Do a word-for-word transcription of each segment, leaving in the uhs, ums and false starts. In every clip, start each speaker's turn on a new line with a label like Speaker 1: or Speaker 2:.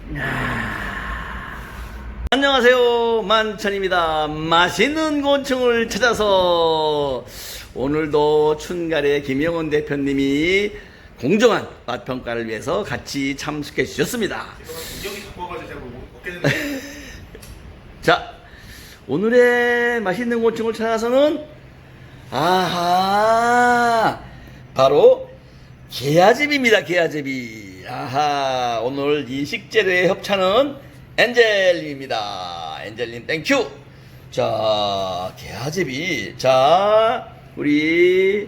Speaker 1: 안녕하세요, 만천입니다. 맛있는 곤충을 찾아서 오늘도 춘갈의 김영원 대표님이 공정한 맛평가를 위해서 같이 참석해 주셨습니다.
Speaker 2: 여기 갖고 와가지고 제가 못 먹겠는데.
Speaker 1: 자, 오늘의 맛있는 곤충을 찾아서는 아하, 바로 게아제비입니다. 게아제비. 아하, 오늘 이 식재료의 협찬은 엔젤님입니다. 엔젤님 땡큐. 자, 게아제비. 자, 우리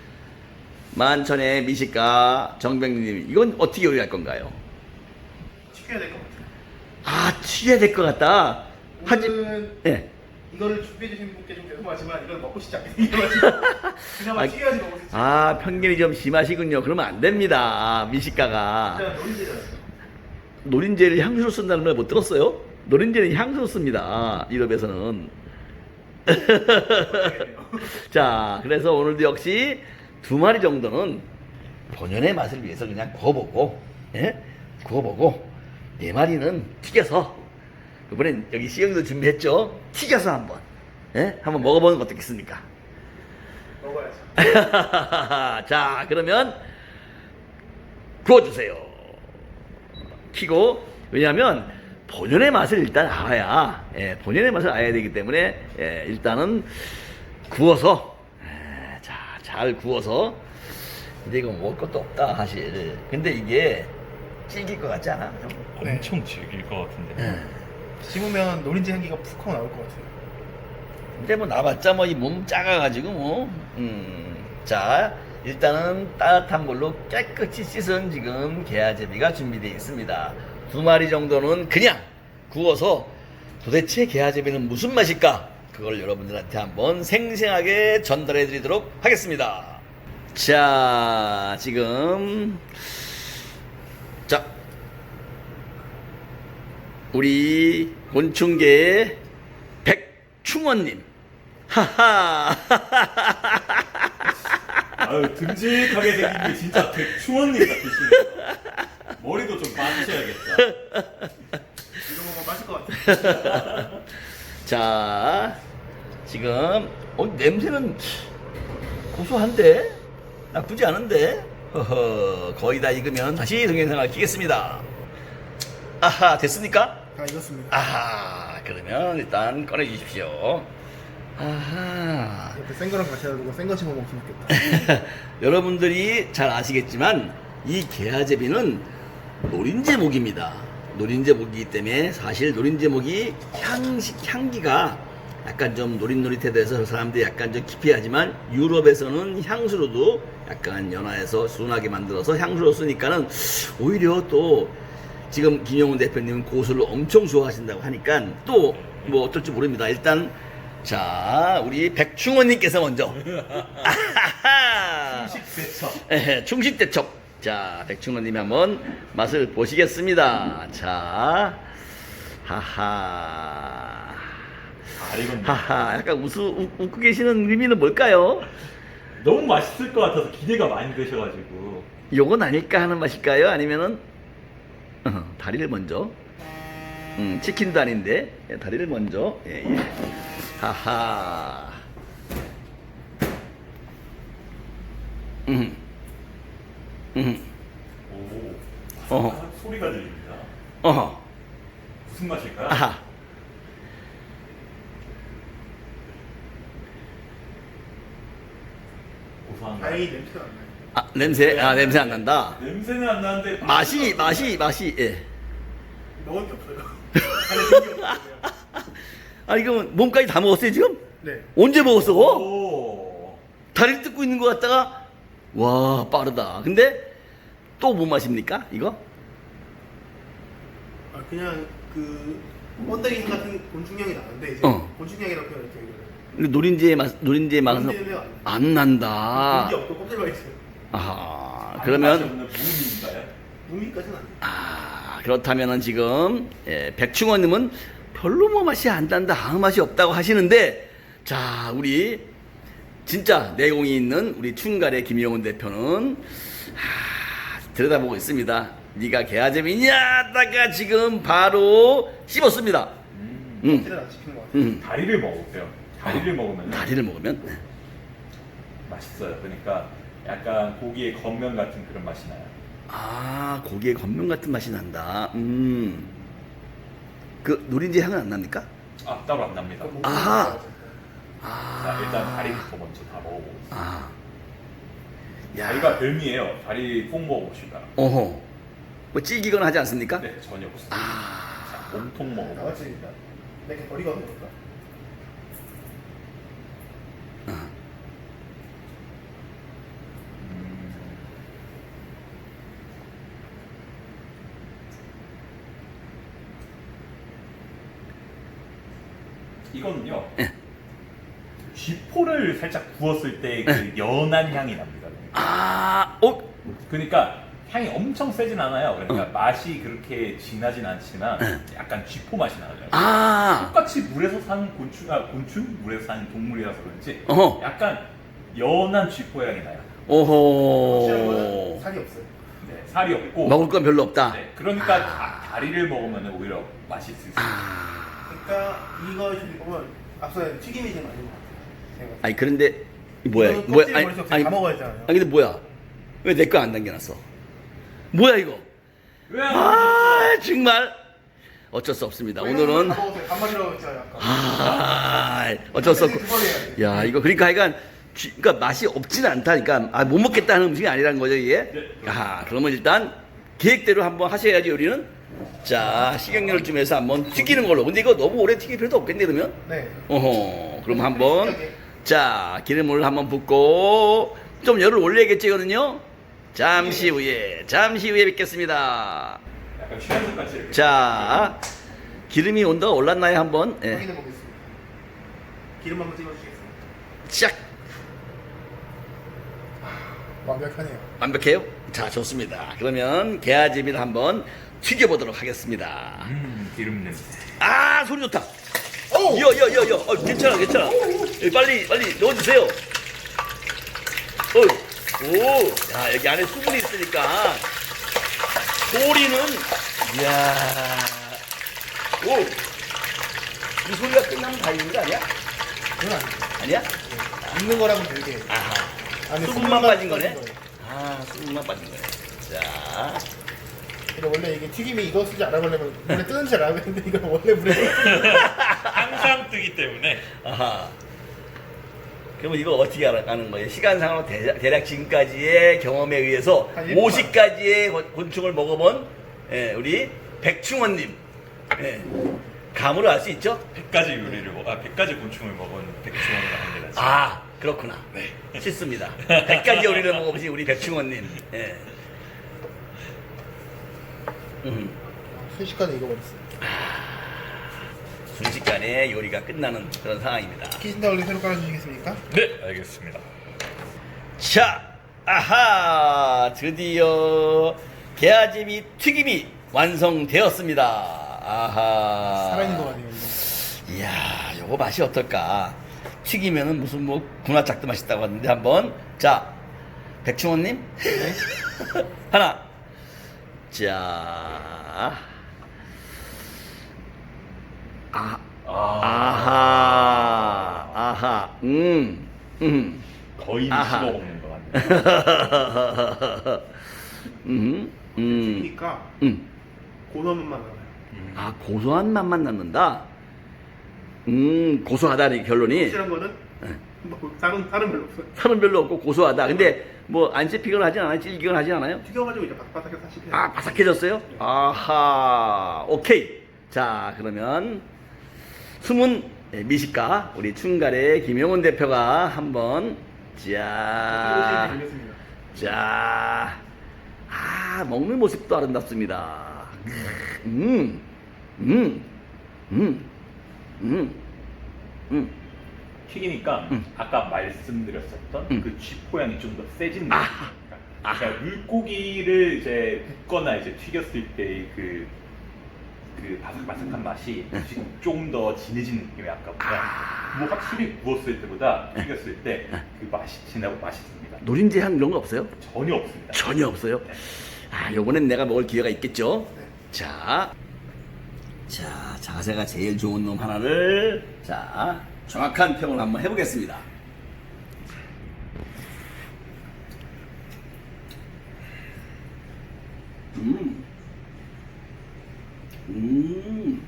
Speaker 1: 만천의 미식가 정병님, 이건 어떻게 요리할 건가요?
Speaker 2: 튀겨야 될 것 같아요.
Speaker 1: 아, 튀겨야 될 것 같다. 하지,
Speaker 2: 오늘은
Speaker 1: 예.
Speaker 2: 이거를 준비해주신 분께 좀 죄송하지만 이걸 먹고 싶지 않게 생겨가지고 그나마
Speaker 1: 아,
Speaker 2: 튀겨야지 먹을 수 있어요.
Speaker 1: 아, 편견이 좀 심하시군요. 그러면 안 됩니다. 미식가가.
Speaker 2: 일단 노린재잖아요.
Speaker 1: 노린재를 향수로 쓴다는 말 못 들었어요? 노린재는 향수로 씁니다. 유럽에서는. 자, 그래서 오늘도 역시 두 마리 정도는 본연의 맛을 위해서 그냥 구워보고, 예? 구워보고, 네 마리는 튀겨서, 이번엔 여기 시영이도 준비했죠? 튀겨서 한번, 예? 한번 먹어보는 거 어떻겠습니까?
Speaker 2: 먹어야지.
Speaker 1: 자, 그러면 구워주세요. 키고, 왜냐하면 본연의 맛을 일단 알아야, 예, 본연의 맛을 알아야 되기 때문에, 예, 일단은 구워서, 예, 자, 잘 구워서. 근데 이거 먹을 것도 없다, 사실. 근데 이게 질길 것 같지 않아?
Speaker 2: 네.
Speaker 3: 엄청 질길 것 같은데.
Speaker 1: 예.
Speaker 2: 씹으면 노린재 향기가 푹 하고 나올 것 같아요.
Speaker 1: 근데 뭐 나봤자 뭐 이 몸 작아가지고 뭐, 음, 자, 일단은 따뜻한 물로 깨끗이 씻은 지금 게아제비가 준비되어 있습니다. 두 마리 정도는 그냥 구워서 도대체 게아제비는 무슨 맛일까? 그걸 여러분들한테 한번 생생하게 전달해 드리도록 하겠습니다. 자, 지금, 자, 우리 곤충계의 백충원님. 하하.
Speaker 3: 아유, 듬직하게 생긴 게 진짜 백충원님 같으시네요. 머리도 좀 빠지셔야겠다.
Speaker 2: 이거 먹으면 맛있을 것 같아요.
Speaker 1: 자, 지금, 어, 냄새는 고소한데? 나쁘지 않은데? 허허, 거의 다 익으면 다시 동영상을 끼겠습니다. 아하, 됐습니까?
Speaker 2: 다 익었습니다.
Speaker 1: 아하, 그러면 일단 꺼내주십시오. 아하.
Speaker 2: 옆에 센 거랑 같이 해가지고 센 거 씹어 먹으면 좋겠다.
Speaker 1: 여러분들이 잘 아시겠지만 이 게아제비는 노린재목입니다. 노린재목이기 때문에 사실 노린재목이 향식 향기가 약간 좀 노릿노릿해서 사람들이 약간 좀 기피하지만 유럽에서는 향수로도 약간 연화해서 순하게 만들어서 향수로 쓰니까는 오히려 또 지금 김영훈 대표님은 고수를 엄청 좋아하신다고 하니까 또 뭐 어떨지 모릅니다. 일단 자, 우리 백충원님께서 먼저.
Speaker 3: 충식대첩.
Speaker 1: 예, 충식대첩. 자, 백충원님이 한번 맛을 보시겠습니다. 자, 하하.
Speaker 3: 아, 이건
Speaker 1: 하하. 약간 웃, 웃, 웃고 계시는 의미는 뭘까요?
Speaker 3: 너무 맛있을 것 같아서 기대가 많이 되셔가지고.
Speaker 1: 요건 아닐까 하는 맛일까요? 아니면은, 어, 다리를 먼저. 음, 치킨도 아닌데, 예, 다리를 먼저. 예, 예. 하하. 음. 음.
Speaker 3: 오.
Speaker 1: 어허.
Speaker 3: 아, 소리가 들립니다.
Speaker 1: 어허.
Speaker 3: 무슨 맛일까요?
Speaker 1: 아하.
Speaker 3: 고소한 거.
Speaker 2: 다행히 냄새가 안 나요.
Speaker 1: 아, 냄새, 아, 냄새 안 난다.
Speaker 3: 냄새는 안 나는데
Speaker 1: 맛이, 맛이, 맛이, 예.
Speaker 2: 먹을 게 없어요. 안에 생기 없어요.
Speaker 1: 아, 이거 몸까지 다 먹었어요, 지금?
Speaker 2: 네.
Speaker 1: 언제 먹었어?
Speaker 3: 오.
Speaker 1: 다리를 뜯고 있는 것 같다가, 와, 빠르다. 근데, 또 뭔 맛입니까, 이거?
Speaker 2: 아 그냥 그 번데기 향 같은 곤충향이 나는데 이제
Speaker 1: 어.
Speaker 2: 곤충향이라고 표현할게요. 이거를.
Speaker 1: 근데 노린재의 맛, 노린재의 맛은
Speaker 2: 노린재는 안 나요.
Speaker 1: 안 난다.
Speaker 2: 고기 없고 껍질만 있어요.
Speaker 1: 아하,
Speaker 3: 맛이
Speaker 1: 그러면,
Speaker 3: 없는 무음인가요?
Speaker 2: 무미까지는 안 돼요.
Speaker 1: 아, 그렇다면은 지금, 예, 백충원님은 별로 뭐 맛이 안 난다, 아무 맛이 없다고 하시는데, 자, 우리, 진짜 내공이 있는 우리 춘갈의 김영훈 대표는, 아, 들여다보고 있습니다. 네가 개아제비냐 하다가 지금 바로 씹었습니다.
Speaker 3: 음.
Speaker 1: 음,
Speaker 2: 껍질은 안 씹히는 것 같아요.
Speaker 1: 음.
Speaker 3: 다리를 먹어보세요. 다리를 먹으면
Speaker 1: 다리를 먹으면 네.
Speaker 3: 맛있어요. 그러니까 약간 고기의 겉면 같은 그런 맛이 나요.
Speaker 1: 아, 고기의 겉면 같은 맛이 난다. 음. 그 노린지 향은 안 납니까?
Speaker 3: 아, 따로 안 납니다.
Speaker 2: 뭐
Speaker 1: 아하.
Speaker 2: 먹는
Speaker 1: 아.
Speaker 3: 자, 일단 다리부터 먼저 다 먹어보겠습니다.
Speaker 1: 아. 야.
Speaker 3: 다리가 별미예요. 다리 꼭 먹어봅시다.
Speaker 1: 어허. 뭐 찔기거나 하지 않습니까?
Speaker 3: 네, 전혀 없습니다.
Speaker 1: 아.
Speaker 3: 자, 몸통
Speaker 2: 거.
Speaker 3: 먹어보겠습니다.
Speaker 2: 나같이 내게 버리거든요. 그러니까.
Speaker 1: 아.
Speaker 3: 음. 이거는요.
Speaker 1: 예.
Speaker 3: 쥐포를 살짝 구웠을 때 그
Speaker 1: 예.
Speaker 3: 연한 향이 납니다.
Speaker 1: 아. 어.
Speaker 3: 그러니까 향이 엄청 세진 않아요. 그러니까
Speaker 1: 어.
Speaker 3: 맛이 그렇게 진하진 않지만
Speaker 1: 예.
Speaker 3: 약간 쥐포 맛이 나요.
Speaker 1: 아.
Speaker 3: 똑같이 물에서 사는 곤충, 아 곤충? 물에서 사는 동물이라서 그런지
Speaker 1: 어허.
Speaker 3: 약간 연한 쥐포 향이 나요.
Speaker 2: 확실한 거는
Speaker 1: 오호.
Speaker 2: 살이 없어요.
Speaker 3: 네, 살이 없고.
Speaker 1: 먹을 건 별로 없다.
Speaker 3: 네, 그러니까
Speaker 1: 아.
Speaker 3: 다, 다리를 먹으면 오히려 맛이 있을 수 있어요.
Speaker 1: 아.
Speaker 2: 그러니까 이거 지금 보면 앞서 튀김이 좀 아닌 것 같아요. 제가.
Speaker 1: 아니 그런데 이 뭐야?
Speaker 2: 이거는
Speaker 1: 뭐야?
Speaker 2: 껍질
Speaker 1: 아니,
Speaker 2: 머릿속
Speaker 1: 아니,
Speaker 2: 다 먹어야 되잖아요.
Speaker 1: 아니 근데 뭐야? 왜 내 거 안 당겨놨어? 뭐야 이거?
Speaker 3: 왜?
Speaker 1: 아 정말 어쩔 수 없습니다. 오늘은
Speaker 2: 다 먹었어요. 반말이라고 했잖아요. 아까.
Speaker 1: 아 어쩔 수 없고.
Speaker 2: 두 번 해야 돼.
Speaker 1: 야 이거 그러니까 하여간 쥐- 그러니까 맛이 없지는 않다니까 아, 못 먹겠다는 음식이 아니라는 거죠 이게.
Speaker 3: 네.
Speaker 1: 아 그러면 일단 계획대로 한번 하셔야지 요리는. 자 식용유를 좀 해서 한번 튀기는 걸로. 근데 이거 너무 오래 튀길 필요도 없겠네 그러면.
Speaker 2: 네.
Speaker 1: 어허 그럼 한번 자 기름을 한번 붓고 좀 열을 올려야겠지 이거는요. 잠시 후에 잠시 후에 뵙겠습니다.
Speaker 3: 약간 취향 같이 이렇게.
Speaker 1: 자 기름이 온도가 올랐나요 한번? 예.
Speaker 2: 확인해 보겠습니다. 기름 한번 찍어주시겠습니다.
Speaker 1: 시작.
Speaker 2: 완벽하네요.
Speaker 1: 완벽해요? 자 좋습니다. 그러면 게아제비를 한번 튀겨보도록 하겠습니다.
Speaker 3: 음, 기름 냄새.
Speaker 1: 아 소리 좋다.
Speaker 2: 오!
Speaker 1: 여여여여 어, 괜찮아 괜찮아. 여기 빨리 빨리 넣어주세요. 어. 오, 야 여기 안에 수분이 있으니까 소리는 이야. 오, 이 소리가 끝나면 다 익는 거 아니야?
Speaker 2: 그건 아니에요.
Speaker 1: 아니야?
Speaker 2: 익는 거랑은 별개.
Speaker 1: 아하.
Speaker 2: 안에
Speaker 1: 수분만 빠진 거네.
Speaker 2: 거예요.
Speaker 1: 아, 수분만 빠진 거네. 자,
Speaker 2: 근데 원래 이게 튀김이 익었을지 알아보려면 원래 뜨는지 알아야 되는데 이거 원래 물에
Speaker 3: 항상 뜨기 때문에.
Speaker 1: 아하. 그러면 이거 어떻게 알아가는 거예요? 시간상으로 대략, 대략 지금까지의 경험에 의해서
Speaker 2: 한 일 분만.
Speaker 1: 오십 가지의 곤충을 먹어본 예, 우리 백충원님 예, 감으로 알 수 있죠?
Speaker 3: 백 가지 요리를 먹, 아, 백 가지 곤충을 먹은 백종원이라 합니다.
Speaker 1: 아 그렇구나. 네. 싫습니다. 백 가지 요리를 먹어보신 우리 백충원님. 예. 음,
Speaker 2: 순식간에 익어버렸어요.
Speaker 1: 순식간에 요리가 끝나는 그런 상황입니다.
Speaker 2: 키신다올리 새로 깔아주시겠습니까?
Speaker 3: 네, 알겠습니다.
Speaker 1: 자, 아하, 드디어 게아제비 튀김이 완성되었습니다. 아하.
Speaker 2: 살아있는 거 같네요. 이거.
Speaker 1: 이야, 요거 맛이 어떨까? 튀기면은 무슨 뭐 군화짝도 맛있다고 하는데 한번 자, 백충원님 하나, 자, 아, 아하, 아하, 음, 음.
Speaker 3: 거의
Speaker 1: 아하.
Speaker 3: 씹어 먹는 것 같네요.
Speaker 1: 음, 음,
Speaker 2: 튀기니까
Speaker 1: 음.
Speaker 2: 고소한 맛만 나요.
Speaker 1: 아 고소한 맛만 남는다. 음, 고소하다는 결론이
Speaker 2: 확실한 거는 뭐 다른 다른 별로 없어요.
Speaker 1: 살은 별로 없고 고소하다. 근데 뭐 안 씹히거나 하진 않아요? 찔기거나 하진 않아요?
Speaker 2: 튀겨가지고 이제 바삭바삭해서 다시 펴요.
Speaker 1: 아 바삭해졌어요? 아하, 오케이. 자 그러면 숨은 미식가 우리 충갈의 김용훈 대표가 한번 자.
Speaker 2: 되겠습니다.
Speaker 1: 자, 아, 먹는 모습도 아름답습니다. 음, 음, 음, 음, 음.
Speaker 3: 튀기니까
Speaker 1: 음.
Speaker 3: 아까 말씀드렸었던
Speaker 1: 음.
Speaker 3: 그 쥐포향이 좀 더 세진 느낌.
Speaker 1: 아하.
Speaker 3: 그러니까 물고기를 이제 굽거나 이제 튀겼을 때 그 그 바삭바삭한 맛이 지금 조금 더 진해진 느낌이 아까보다
Speaker 1: 아.
Speaker 3: 뭐 확실히 구웠을 때보다 튀겼을 때 그 맛이 진하고 맛있습니다.
Speaker 1: 노린지 향 이런 거 없어요?
Speaker 3: 전혀 없습니다.
Speaker 1: 전혀 없어요.
Speaker 3: 네.
Speaker 1: 아, 요번엔 내가 먹을 기회가 있겠죠?
Speaker 2: 네.
Speaker 1: 자, 자, 자세가 제일 좋은 놈 하나를, 자, 정확한 평을 한번 해보겠습니다. 음, 음,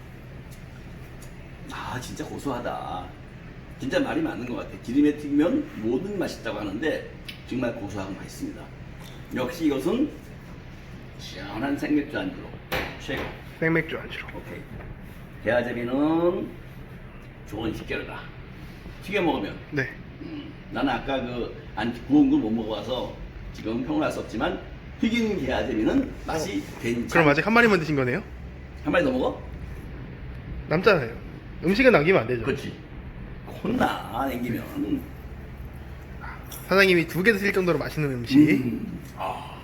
Speaker 1: 아, 진짜 고소하다. 진짜 말이 맞는 것 같아. 기름에 튀기면 모든 맛이 있다고 하는데 정말 고소하고 맛있습니다. 역시 이것은 시원한 생맥주 안주로 최고.
Speaker 2: 생맥주 안주로.
Speaker 1: 오케이. 게아제비는 좋은 식재료다. 튀겨 먹으면.
Speaker 2: 네.
Speaker 1: 음, 나는 아까 그 안 구운 걸 못 먹어봐서 지금 평을 할 수 없지만 튀긴 게아제비는 맛이 괜찮.
Speaker 2: 그럼 아직 한 마리만 드신 거네요?
Speaker 1: 한 마리 더 먹어?
Speaker 2: 남잖아요. 음식은 남기면 안 되죠.
Speaker 1: 그렇지. 혼나 남기면.
Speaker 2: 사장님이 두 개 드실 정도로 맛있는 음식.
Speaker 1: 음. 아.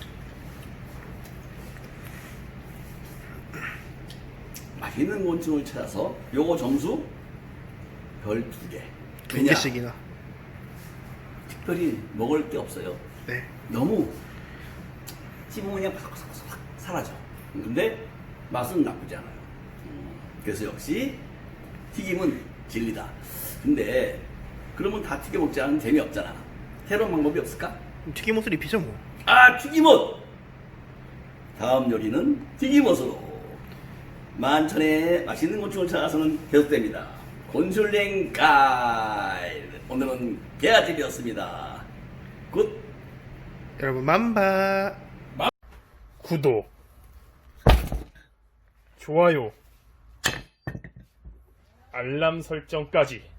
Speaker 1: 맛있는 곤충을 찾아서 요거 점수 별 두 개.
Speaker 2: 두
Speaker 1: 왜냐?
Speaker 2: 개씩이나.
Speaker 1: 특별히 먹을 게 없어요.
Speaker 2: 네.
Speaker 1: 너무 씹으면 그냥 바삭바삭 사라져. 근데 맛은 나쁘지 않아요. 음, 그래서 역시 튀김은 진리다. 근데 그러면 다 튀겨 먹지 않으면 재미없잖아. 새로운 방법이 없을까?
Speaker 2: 튀김옷을 입히죠 뭐.
Speaker 1: 아, 튀김옷! 다음 요리는 튀김옷으로 만천의 맛있는 곤충을 찾아서는 계속됩니다. 곤슐랭 가이드. 오늘은 게아집이었습니다. 굿!
Speaker 2: 여러분 맘바.
Speaker 4: 구독, 좋아요, 알람 설정까지